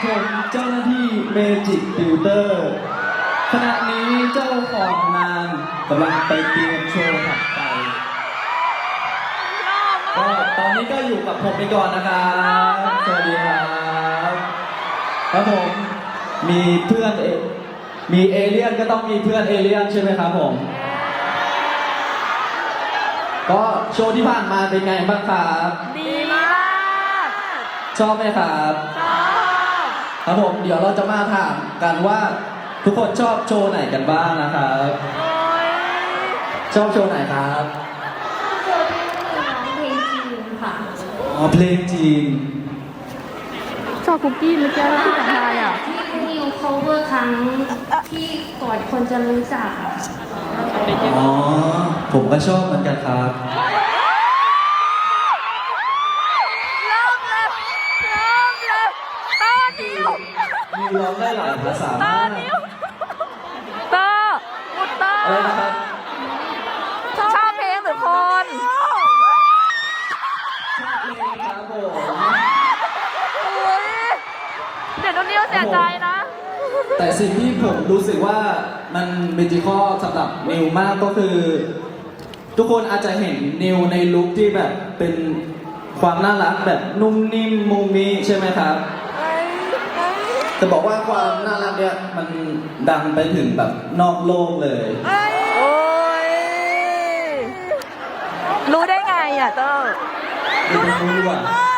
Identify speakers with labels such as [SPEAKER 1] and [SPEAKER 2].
[SPEAKER 1] ผมเจ้าหน้าที่เมจิกติวเตอร์ขณะนี้เจ้าของงานกำลังไปเตรียมโชว์ถัดไปก็ตอนนี้ก็อยู่กับผมไปก่อนนะครับสวัสดีครับครับผมมีเพื่อนมีเอเลี่ยนก็ต้องมีเพื่อนเอเลี่ยนใช่ไหมครับผมก็โชว์ที่ผ่านมาเป็นไงบ้างครับ
[SPEAKER 2] ดีมาก
[SPEAKER 1] ชอบไหมครับ
[SPEAKER 2] ชอบ
[SPEAKER 1] ครับผมเดี๋ยวเราจะมาถามกันว่าทุกคนชอบโชว์ไหนกันบ้างนะครับชอบโชว์ไหนครับ
[SPEAKER 2] โชว์ที่ร้องเพลงจีนค่ะ
[SPEAKER 1] อ๋อเพลงจีน
[SPEAKER 3] ชอบคุกกี้เมื่อกี้ที่ของไทยอ่ะ
[SPEAKER 2] ที่นิว cover ครั้งที่ก่อนคนจะรู้จัก
[SPEAKER 1] อ๋อผมก็ชอบเหมือนกันครับมีร้องได้หลายภาษามาก
[SPEAKER 3] เตอร์มุตเตอร์
[SPEAKER 1] อะไรนะครับ
[SPEAKER 3] ชอบเพลงหรือคน
[SPEAKER 1] ครับผม
[SPEAKER 3] เดี๋ยวนุ่นนิวเสียใจนะ
[SPEAKER 1] แต่สิ่งที่ผมรู้สึกว่ามันเมจิคอลสำหรับนิวมากก็คือทุกคนอาจจะเห็นนิวในลุคที่แบบเป็นความน่ารักแบบนุ่มนิ่มมุมมิใช่ไหมครับจะบอกว่าความน่ารักเนี่ยมันดังไปถึงแบบนอกโลกเลย
[SPEAKER 3] โอ้ยรู้ได้ไงอ่ะเตอร์
[SPEAKER 1] รู้อ่ะ